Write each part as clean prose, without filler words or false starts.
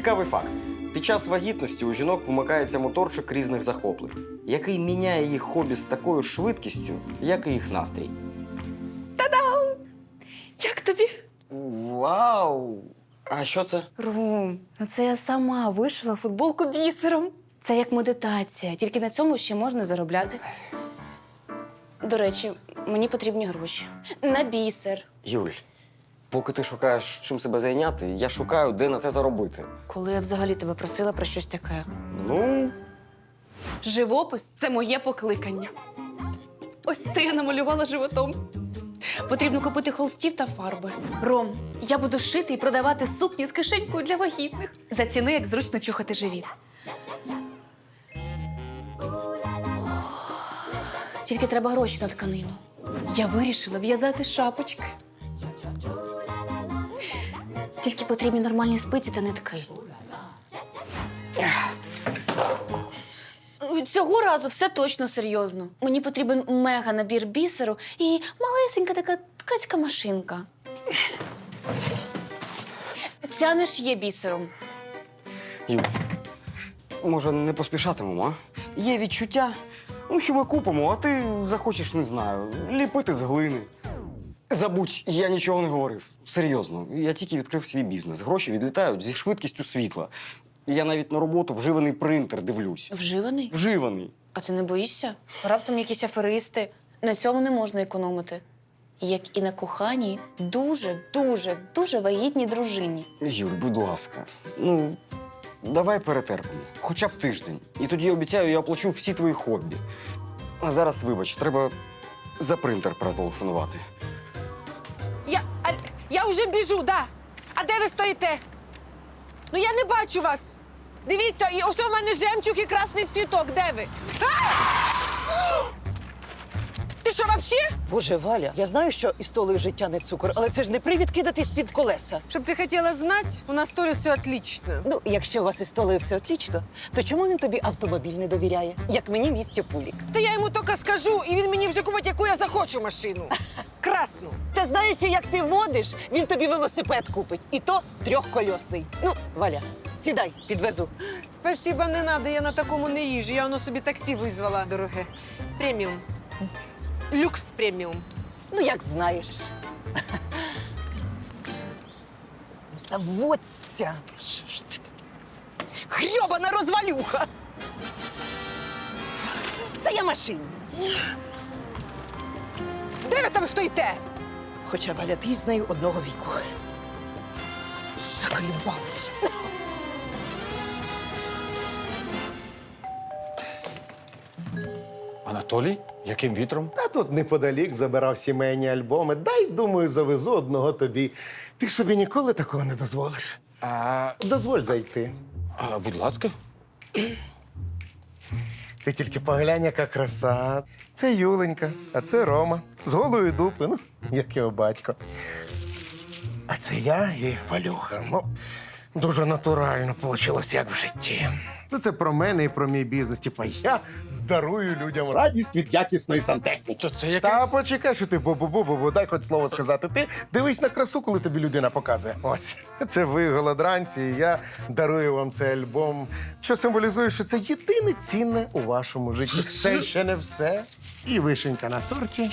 Цікавий факт. Під час вагітності у жінок вмикається моторчик різних захоплень, який міняє їх хобі з такою швидкістю, як і їх настрій. Як тобі? Вау! А що це? Ром, ну це я сама вишила футболку бісером. Це як медитація, тільки на цьому ще можна заробляти. До речі, мені потрібні гроші. На бісер. Юль, поки ти шукаєш, чим себе зайняти, я шукаю, де на це заробити. Коли я взагалі тебе просила про щось таке. Ну, Живопис це моє покликання. Ось це я намалювала животом. Потрібно купити холстів та фарби. Ром, я буду шити і продавати сукні з кишенькою для вагітних. Заціни, як зручно чухати живіт. Тільки треба гроші на тканину. Я вирішила в'язати шапочки. Тільки потрібні нормальні спиці та нитки. Цього разу все точно серйозно. Мені потрібен мега-набір бісеру і малесенька така ткацька машинка. Ця не ж є бісером. Юль, може, не поспішатимемо, а? Є відчуття, що ми купимо, а ти захочеш, не знаю, ліпити з глини. Забудь, я нічого не говорив. Серйозно, я тільки відкрив свій бізнес. Гроші відлітають зі швидкістю світла. Я навіть на роботу вживаний принтер дивлюсь. Вживаний? Вживаний. А ти не боїшся? Раптом якісь аферисти. На цьому не можна економити. Як і на коханій дуже вагітній дружині. Юль, будь ласка, давай перетерпимо. Хоча б тиждень. І тоді, обіцяю, я оплачу всі твої хобі. А зараз, вибач, треба за принтер перетелефонувати. Я вже біжу, да. А де ви стоїте? Ну я не бачу вас. Дивіться, і ось у мене жемчуг і красний цвіток. Де ви? Ти що, вообще? Боже, Валя, я знаю, що із Толею життя не цукор, але це ж не привід кидатись під колеса. Щоб ти хотіла знати, у нас Толі все отлично. Ну, якщо у вас із Толею все отлічно, то чому він тобі автомобіль не довіряє? Як мені місце Пулік. Та я йому тільки скажу, і він мені вже купить, яку я захочу машину. Красну. Та знаючи, як ти водиш, він тобі велосипед купить. І то трьохкольосний. Ну, Валя, сідай, підвезу. Спасибо, не надо, я на такому не їжджу. Я воно собі таксі визвала, дороге. Преміум. Люкс преміум. Ну, як знаєш. Заводься. Хрьобана розвалюха. Це я машині. Де ви там стоїте? Хоча, Валя, ти з нею одного віку. Заколювалися. Анатолій? Яким вітром? Та тут неподалік забирав сімейні альбоми. Дай, думаю, завезу одного тобі. Ти ж собі ніколи такого не дозволиш. Дозволь зайти. Будь ласка. Ти тільки поглянь, яка краса. Це Юленька, а це Рома. З голою дупи, ну, як його батько. А це я і Валюха. Ну, дуже натурально вийшло, як в житті. Ну, це про мене і про мій бізнес. Типа, я дарую людям радість від якісної сантехніки. То це яке? Та почекай, що ти бу-бу-бу-бу, дай хоч слово сказати. Ти дивись на красу, коли тобі людина показує. Ось, це ви, голодранці, і я дарую вам цей альбом, що символізує, що це єдине цінне у вашому житті. Це ще не все. І вишенька на торті.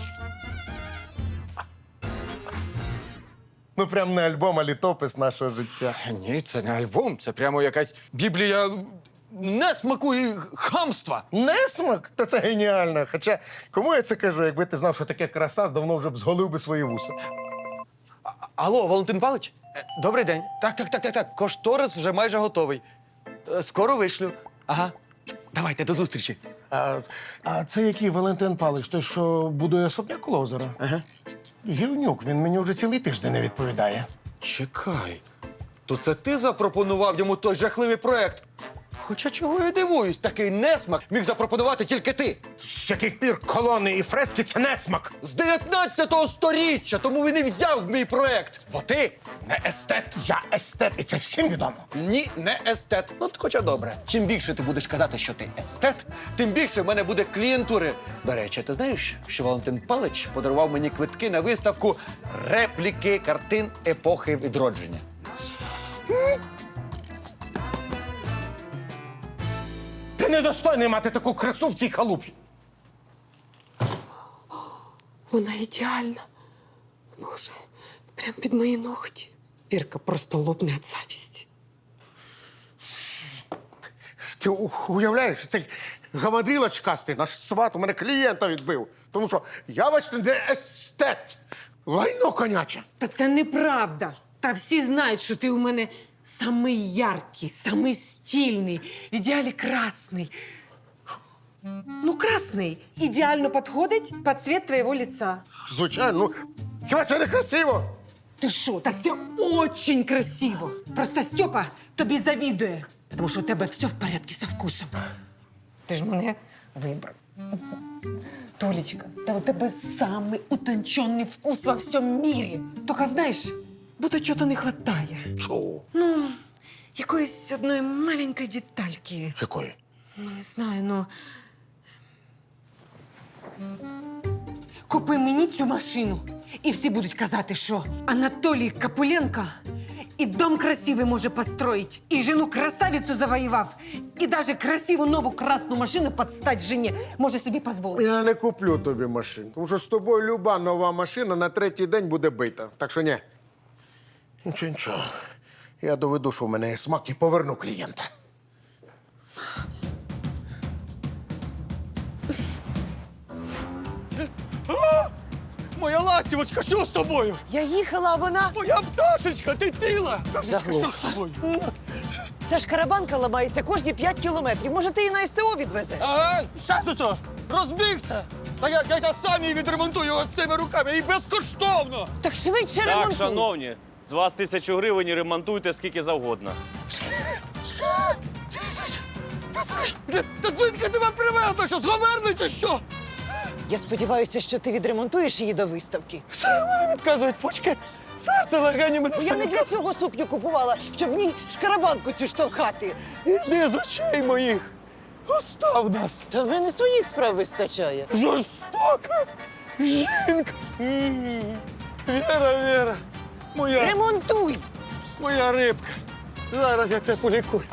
Ну, прям не альбом, а літопис нашого життя. Ні, це не альбом, це прямо якась біблія несмаку і хамства. Несмак? Та це геніально. Хоча, кому я це кажу, якби ти знав, що таке краса, давно вже б зголив би свої вуса. Алло, Валентин Палич? Добрий день. Так. Кошторис вже майже готовий. Скоро вишлю. Ага. Давайте, до зустрічі. А це який Валентин Палич? Той, що будує особняк коло озера? Ага. Гівнюк, він мені вже цілий тиждень не відповідає. Чекай. То це ти запропонував йому той жахливий проект? Хоча чого я дивуюсь, такий несмак міг запропонувати тільки ти. З яких пір колони і фрески – це несмак? З 19-го сторіччя, тому він і взяв мій проект. Бо ти не естет. Я естет, і це всім відомо. Ні, не естет. Ну, хоча добре. Чим більше ти будеш казати, що ти естет, тим більше в мене буде клієнтури. До речі, ти знаєш, що Валентин Палич подарував мені квитки на виставку репліки картин епохи відродження. Ти недостойний мати таку красу в цій халупі. Вона ідеальна. Боже, прям під мої ногті. Вірка просто лопне від завісті. Ти уявляєш, цей гамадріл очкастий, наш сват у мене клієнта відбив. Тому що я, бачите, не естет. Лайно коняче. Та це неправда. Та всі знають, що ти у мене самий яркий, самий стильний, в ідеалі красний. Ну, красний ідеально підходить під цвет твоєго лица. Звичайно, ну хіба це не красиво? Ти що? Та це очень красиво. Просто Стьопа тобі завідує, тому що у тебе все в порядку со вкусом. Ти ж мене вибрав. Толечка, та у тебе самий утончений вкус во всьому мірі. Тільки, знаєш, будто чого-то не вистачає. Чого? Ну, якоїсь одної маленької детальки. Якої? Ну, не знаю, ну. Купи мені цю машину, і всі будуть казати, що Анатолій Капуленко і дом красивий може построить, і жену красавицю завоював, і навіть красиву нову красну машину під стать жені може собі дозволити. Я не куплю тобі машин, тому що з тобою люба нова машина на третій день буде бита. Так що ні. Нічого. Я доведу, що в мене є смак і поверну клієнта. Моя ластівочка, що з тобою? Я їхала, а вона. Моя пташечка, ти ціла? Пташечка, Заглох. що з тобою? Ця ж карабанка ламається кожні 5 кілометрів. Може, ти її на СТО відвезеш? Ага, щас оце, розбігся. Та я сам її відремонтую цими руками і безкоштовно. Так швидше Так, ремонтуй. шановні, з вас 1000 гривень і ремонтуйте скільки завгодно. Та дзвінка тебе привезла, що зговерли чи що? Я сподіваюся, що ти відремонтуєш її до виставки. Відказують почки. Серце легені мене. Бо я не для цього сукню купувала, щоб в ній шкарабанку цю штовхати. Іди з очей моїх. Остав нас. Та в мене своїх справ вистачає. Жорстока жінка. Віра, Ремонтуй! моя рибка. Зараз я тебе полікую.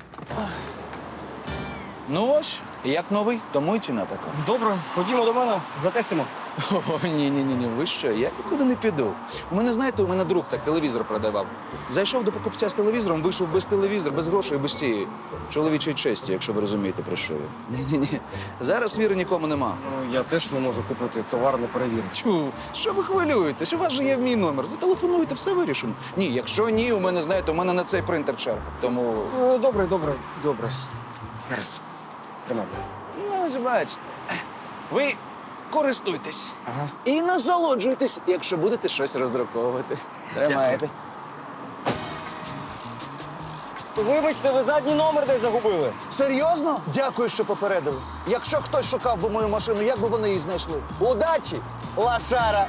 Ну ось, як новий, тому й ціна така. Добре, ходімо до мене, затестимо. О, ні, ви що, я нікуди не піду. У мене друг так телевізор продавав. Зайшов до покупця з телевізором, вийшов без телевізора, без грошей, без цієї чоловічої честі, якщо ви розумієте, про що я. Ні. Зараз віри нікому нема. Ну, я теж не можу купити товар, не перевіривши. Чу, що ви хвилюєтесь? У вас же є мій номер. Зателефонуйте, все вирішимо. Ні, якщо ні, у мене, знаєте, у мене на цей принтер черга. Тому, Добре. Гаразд. Тримайте. ну, ось бачите. Ви користуйтесь. Ага. І насолоджуйтесь, якщо будете щось роздруковувати. Тримайте. Вибачте, ви задній номер десь загубили. Серйозно? Дякую, що попередили. Якщо хтось шукав би мою машину, як би вони її знайшли? Удачі, лошара!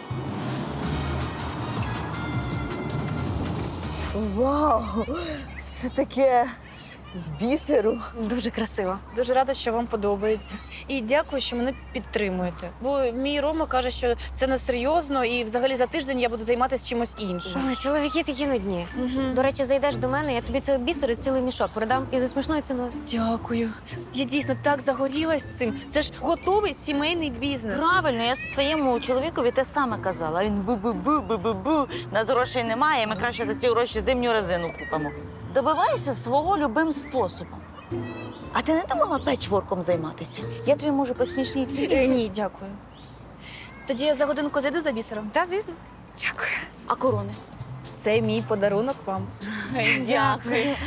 Вау! Все таке з бісеру. Дуже красиво. Дуже рада, що вам подобається. І дякую, що мене підтримуєте. Бо мій Рома каже, що це не серйозно, і взагалі за тиждень я буду займатися чимось іншим. Ой, чоловіки такі нудні. До речі, зайдеш до мене, я тобі цього бісеру цілий мішок продам і за смішною ціною. Дякую. Я дійсно так загорілась цим. Це ж готовий сімейний бізнес. Правильно, я своєму чоловікові те саме казала. Він бу-бу-бу. Нас грошей немає, ми краще за ці гроші зимню резину купимо. Добивайся свого любим способом. А ти не думала печворком займатися? Я тобі можу по смішній ціні. Ні, дякую. Тоді я за годинку зайду за бісером. Та, звісно. Дякую. А корони? Це мій подарунок вам. Дякую.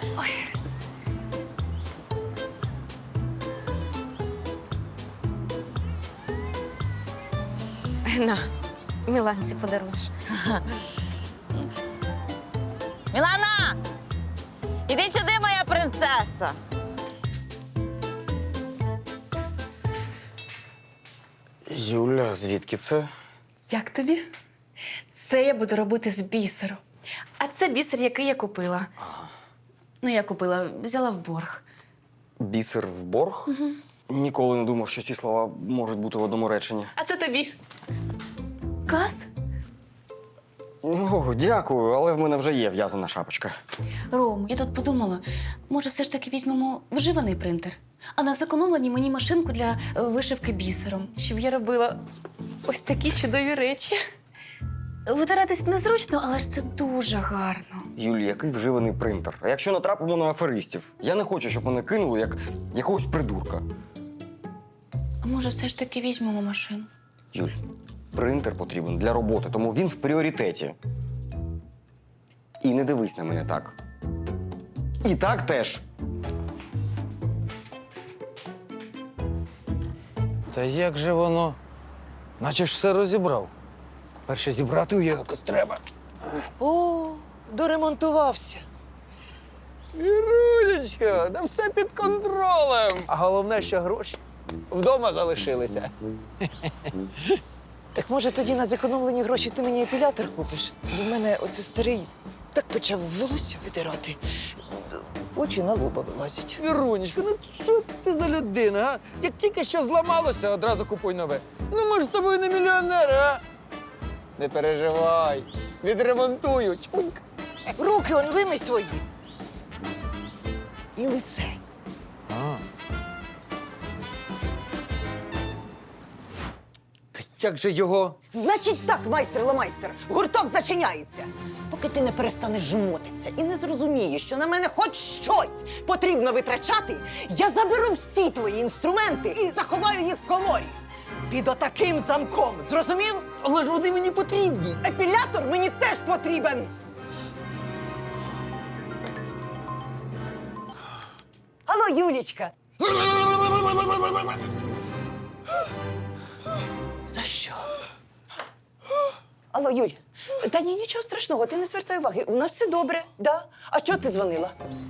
На, Міланці подаруєш. Мілана! Іди сюди, моя принцеса! Юля, звідки це? Як тобі? Це я буду робити з бісеру. А це бісер, який я купила. Ну, я купила, взяла в борг. Бісер в борг? Ніколи не думав, що ці слова можуть бути в одному реченні. А це тобі. Клас? О, дякую, але в мене вже є в'язана шапочка. Ром, я тут подумала, може, все ж таки візьмемо вживаний принтер, а на зекономлені мені машинку для вишивки бісером, щоб я робила ось такі чудові речі. Витиратись незручно, але ж це дуже гарно. Юлі, який вживаний принтер? А якщо натрапимо на аферистів? Я не хочу, щоб мене кинули як якогось придурка. А може, все ж таки візьмемо машину? Юль, принтер потрібен для роботи, тому він в пріоритеті. І не дивись на мене так. І так теж. Та як же воно? Наче ж все розібрав. Перше зібрати його якось треба. О, доремонтувався. Вірунечка, да все під контролем. А головне, що гроші вдома залишилися. Так може тоді на зекономлені гроші ти мені епілятор купиш? Бо в мене оце старий так почав волосся видирати. Очі на лоба вилазять. Вірунечка, ну що ти за людина, а? Як тільки що зламалося, одразу купуй нове. Ну ми ж з тобою не мільйонери, а? Не переживай, відремонтую. Чпуньк. Руки он вимий свої. І лице. Та як же його? Значить так, майстер-ламайстер, гурток зачиняється. Поки ти не перестанеш жмотитися і не зрозумієш, що на мене хоч щось потрібно витрачати, я заберу всі твої інструменти і заховаю їх в коморі. Під отаким замком. Зрозумів? Але ж вони мені потрібні. Епілятор мені теж потрібен. Алло, Юлічка. За що? Алло, Юль. Та ні, нічого страшного, ти не звертай уваги. У нас все добре, да? А чого ти дзвонила?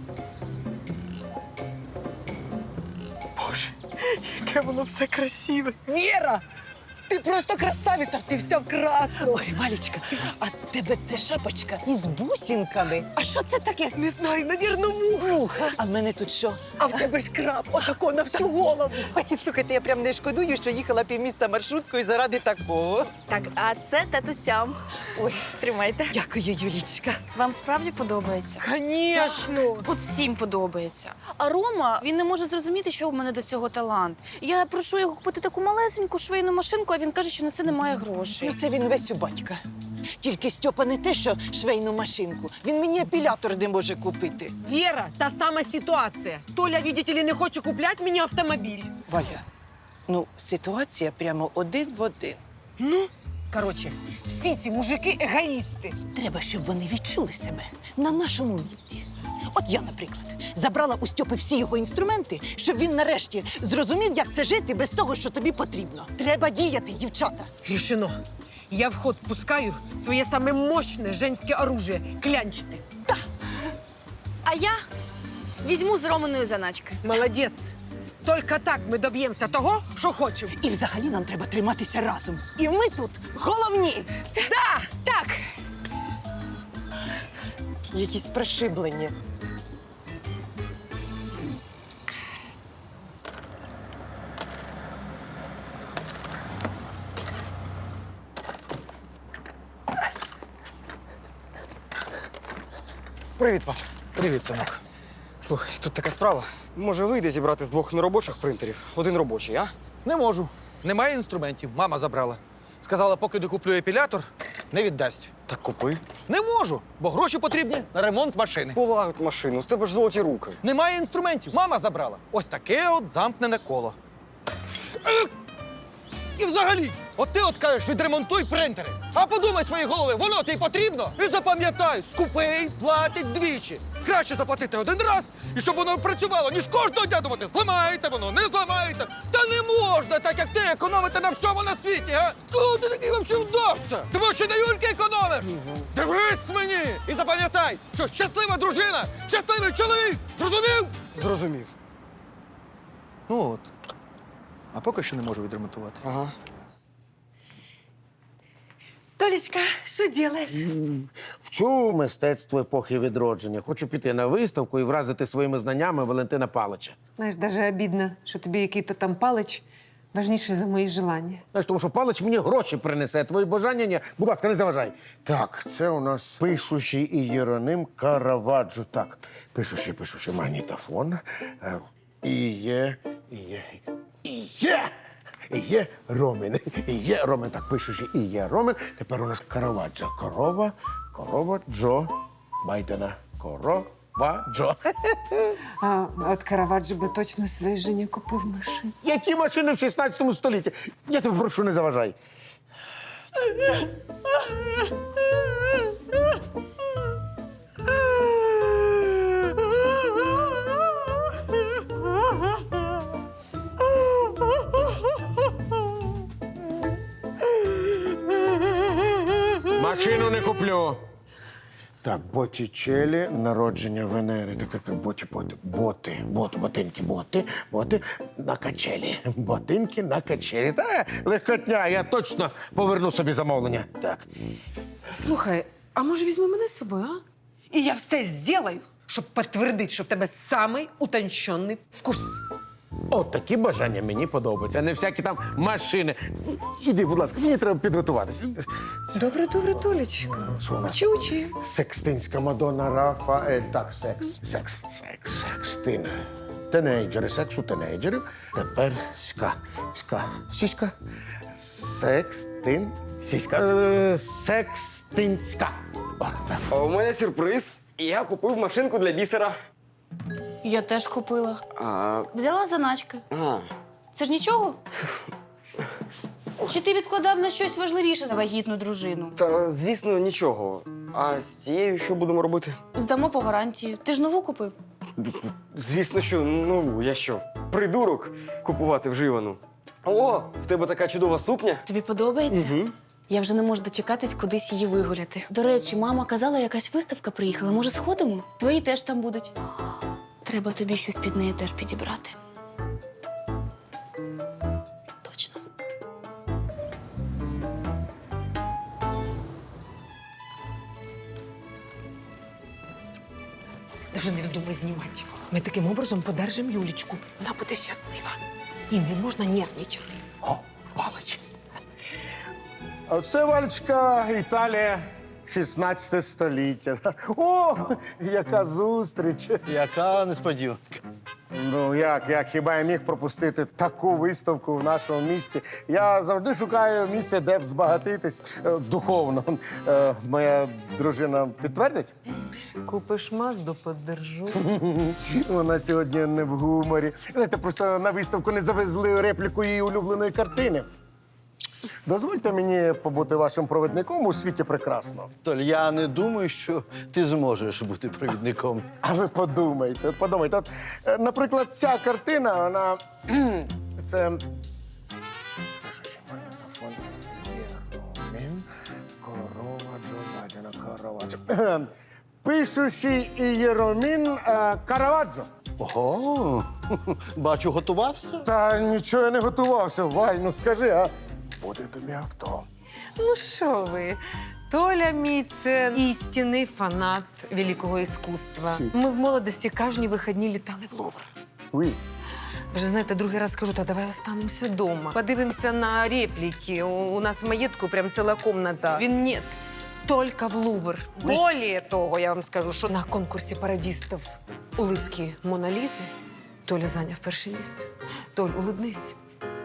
Боже, яке воно все красиве. Віра! Ти просто красавиця, ти вся в красному. Ой, Валічка, а тебе це шапочка із бусинками. А що це таке? Не знаю, навірно, муха. А в мене тут що? А в тебе ж краб, отако на всю голову. Ой, слухайте, я прям не шкодую, що їхала півміста маршруткою заради такого. Так, а це татусям. Ой, Тримайте. дякую, Юлічка. Вам справді подобається? Звісно. От всім подобається. А Рома, він не може зрозуміти, що в мене до цього талант. Я прошу його купити таку малесеньку швейну машинку, а він каже, що на це немає грошей. Ну, це він весь у батька. Тільки Стьопа не те, що швейну машинку. Він мені епілятор не може купити. Віра, та сама ситуація. Толя, видите ли, не хоче купляти мені автомобіль. Валя, ну, ситуація прямо один в один. Ну, коротше, всі ці мужики егоїсти. Треба, щоб вони відчули себе на нашому місці. От я, наприклад, забрала у Стьопи всі його інструменти, щоб він нарешті зрозумів, як це жити без того, що тобі потрібно. Треба діяти, дівчата. Рішено. Я в ход пускаю своє саме мощне женське оружие – клянчити. А я візьму з Романою заначки. Молодець. Тільки так ми доб'ємося того, що хочемо. І взагалі нам треба триматися разом. І ми тут головні. Да! Так, Якісь пришиблення. Привіт, пап. Привіт, синок. Слухай, тут така справа. Може, вийде зібрати з 2 неробочих принтерів один робочий, а? Не можу. Немає інструментів. Мама забрала. Сказала, поки не куплю епілятор, не віддасть. Так купи. Не можу, бо гроші потрібні на ремонт машини. Полагодь машину, з тебе ж золоті руки. Немає інструментів. Мама забрала. Ось таке от замкнене коло. І взагалі, от ти от кажеш, відремонтуй принтери. А подумай свої голови, воно тобі потрібно? І запам'ятай, скупий платить двічі. Краще заплатити один раз, і щоб воно працювало, ніж кожного дня думати, зламається воно, не зламається. Та не можна, так як ти, економити на всьому на світі, а? Кого ти такий взагалі вдався? Ти може на Юльки економиш? Дивись мені! І запам'ятай, що щаслива дружина, щасливий чоловік! Зрозумів? Зрозумів. Ну от. А поки що не можу відремонтувати. Ага. Толічка, що робиш? Вчу мистецтво епохи відродження. Хочу піти на виставку і вразити своїми знаннями Валентина Палича. Знаєш, навіть обідно, що тобі який-то там палич важніше за мої желання. Знаєш, тому що Палич мені гроші принесе, а твої бажання ні. Будь ласка, не заважай. Так, це у нас пишущий Ієроним Караваджо. Так, пишущий магнітофон. Є Ромін. Є Ромін. Так, пишучи і є Ромін. Тепер у нас Караваджо. Корова, Джо, Байдена. Джо. А от Караваджо би точно своїй жені купив машину. Які машини в 16 столітті? Я тебе прошу, не заважай. Машину не куплю. Так, Боттічелі, народження Венери. Так, боти на качелі. Ботинки на качелі. Та, легкотня, я точно поверну собі замовлення. Так. Слухай, а може візьми мене з собою, а? І я все зроблю, щоб підтвердити, що в тебе самий утончений вкус. От такі бажання мені подобаються, а не всякі там машини. Іди, будь ласка, мені треба підготуватися. Добре, Толечко. Що вона? Учи. Секстинська Мадонна Рафаель. Так, секстин. Тенейджери, секс у тенейджерів. Тепер сіська. Секстинська. О, так. У мене сюрприз. Я купив машинку для бісера. Я теж купила. А, Взяла заначки. Це ж нічого? Чи ти відкладав на щось важливіше за вагітну дружину? та, звісно, нічого. А з цією що будемо робити? Здамо по гарантії. Ти ж нову купив? Звісно, що нову. Я що, придурок купувати вживану? О, в тебе така чудова сукня. Тобі подобається? Угу. Я вже не можу дочекатись кудись її вигуляти. До речі, мама казала, якась виставка приїхала. Може, сходимо? Твої теж там будуть. Треба тобі щось під неї теж підібрати. Точно. Даже не вздумай знімати. Ми таким образом подержимо Юлічку. Вона буде щаслива. І не можна нервничати. О, Палич. А це, Валечка, Італія, 16 століття. О, яка зустріч. Яка несподіванка. Ну, як хіба я міг пропустити таку виставку в нашому місті? Я завжди шукаю місце, де б збагатитись духовно. Моя дружина підтвердить? Купиш Мазду, подержу. Вона сьогодні не в гуморі. Знаєте, просто на виставку не завезли репліку її улюбленої картини. Дозвольте мені побути вашим провідником у світі прекрасно. Толь, я не думаю, що ти зможеш бути провідником. А ви подумайте. От, наприклад, ця картина, вона. Це. Пишущий Ієромін Караваджо. Ого, бачу, готувався. Та нічого я не готувався, Валь, ну скажи, а буде тобі авто. Ну що ви? Толя мій – це істинний фанат великого іскусства. Ми в молодості кожні вихідні літали в Лувр. Уй. Вже, знаєте, другий раз кажу, та давай останемося вдома. Подивимося на репліки. У нас в маєтку прям ціла комната. Він ні. Тільки в Лувр. Более того, я вам скажу, що на конкурсі пародістів улыбки Мона Лізи Толя зайняв перше місце. Толь, улыбнись.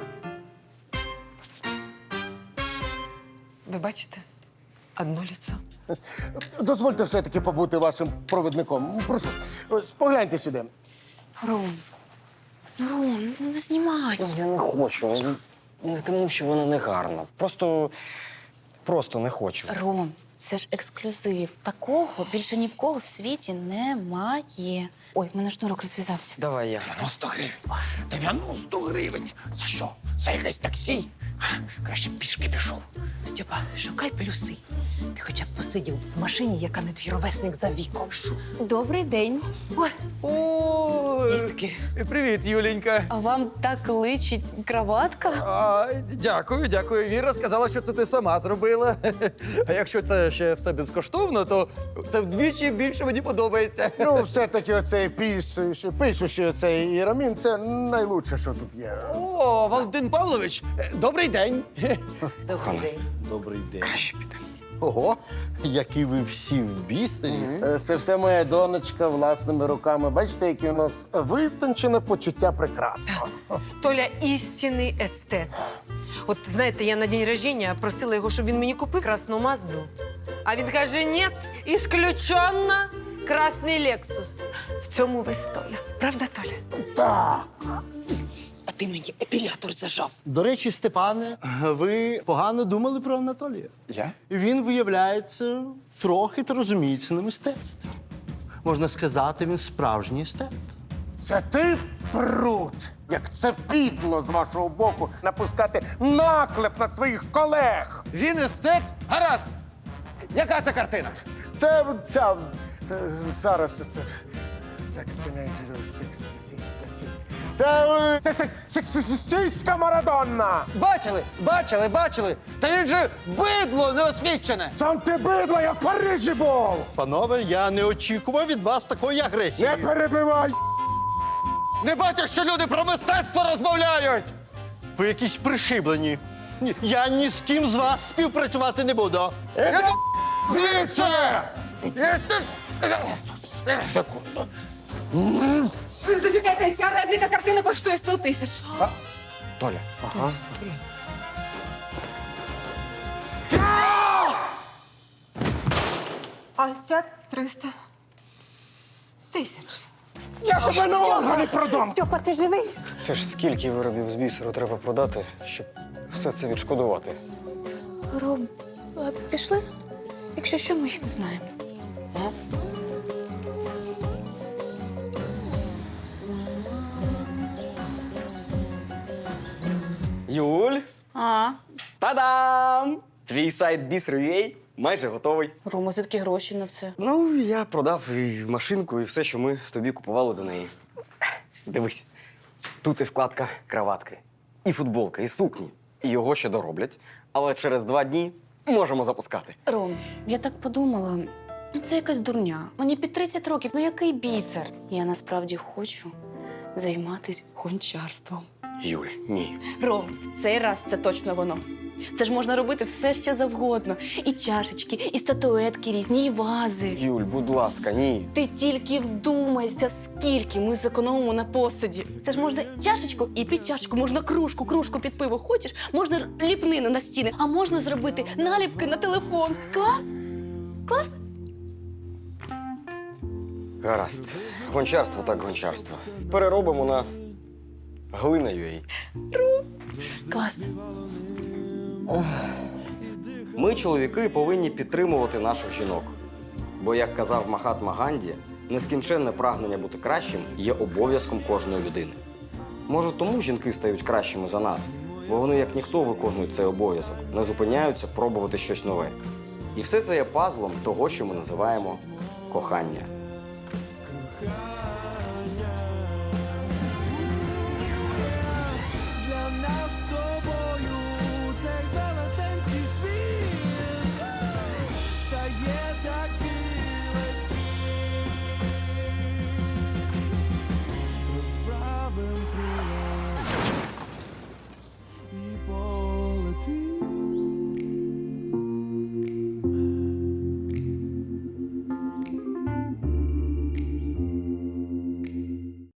Ви бачите? Одно лицо. Дозвольте все-таки побути вашим провідником. Прошу, ось погляньте сюди. Ром, ну не знімай. Я не хочу. Не тому, що вона не гарна. Просто не хочу. Ром, це ж ексклюзив. Такого більше ні в кого в світі немає. Ой, в мене шнурок розв'язався. Давай я. 90 гривень. 90 гривень. За що? За якесь таксі? Краще пішки пішов. Степа, шукай плюси. ти хоча б посидів в машині, яка не твій ровесник за віком. Добрий день. О, Дітки. привіт, Юленька. А вам так личить краватка? Дякую, дякую. Віра сказала, що це ти сама зробила. А якщо це ще все безкоштовно, то це вдвічі більше мені подобається. Ну, все-таки оцей пишущий оцей Ірамін, це найлучше, що тут є. О, Валентин Павлович, добрий день. Добрий день. Добрий день. Краще піде. Ого, які ви всі в бісері. Це все моя донечка власними руками. Бачите, яке у нас витончене почуття прекрасного. Толя істинний естет. От знаєте, я на день рождения просила його, щоб він мені купив красну Мазду. А він каже: ні, ісключенно красний Лексус. В цьому весь Толя. Правда, Толя? Так. А ти мені епілятор зажав. До речі, Степане, ви погано думали про Анатолія. Я? Він, виявляється, трохи та розуміється на мистецтві. Можна сказати, він справжній естет. Це ти, прут, як це підло з вашого боку напускати наклеп на своїх колег. Він естет? Гаразд. Яка це картина? Це ця зараз це секс тінейджерів, це сексистська Марадонна. Бачили. Та він же бидло неосвічене. Сам ти бидло, я в Парижі був. Панове, я не очікував від вас такої агресії. Не перебивай. Не бачиш, що люди про мистецтво розмовляють? Ви якісь пришиблені. Ні, я ні з ким з вас співпрацювати не буду. Звідси! Секунду. Зачекайте, ця репліка картини коштує 100 тисяч. Толя. Ага. А ця 300 тисяч. Я тебе на органи продам. Стьопа, ти живий? Це ж скільки виробів з бісеру треба продати, щоб все це відшкодувати? Ром, а пішли? Якщо що, ми їх не знаємо. Юль, А, та-дам! Твій сайт Бісер.ua майже готовий. Рома, звідки гроші на це? Ну, я продав і машинку, і все, що ми тобі купували до неї. Дивись, тут і вкладка краватки, і футболка, і сукні. І його ще дороблять, але через 2 дні можемо запускати. Ром, я так подумала, це якась дурня. Мені під 30 років, ну який бісер? Я насправді хочу займатися гончарством. Юль, ні. Ром, в цей раз це точно воно. Це ж можна робити все, що завгодно. І чашечки, і статуетки різні, і вази. Юль, будь ласка, ні. Ти тільки вдумайся, скільки ми зекономимо на посуді. Це ж можна чашечку і під чашечку, можна кружку під пиво. Хочеш? Можна ліпнину на стіни, а можна зробити наліпки на телефон. Клас? Клас? Гаразд. Гончарство так гончарство. Переробимо на глина.ua. Клас. Ми, чоловіки, повинні підтримувати наших жінок. Бо, як казав Махатма Ганді, нескінченне прагнення бути кращим є обов'язком кожної людини. Може, тому жінки стають кращими за нас, бо вони, як ніхто, виконують цей обов'язок, не зупиняються пробувати щось нове. І все це є пазлом того, що ми називаємо кохання.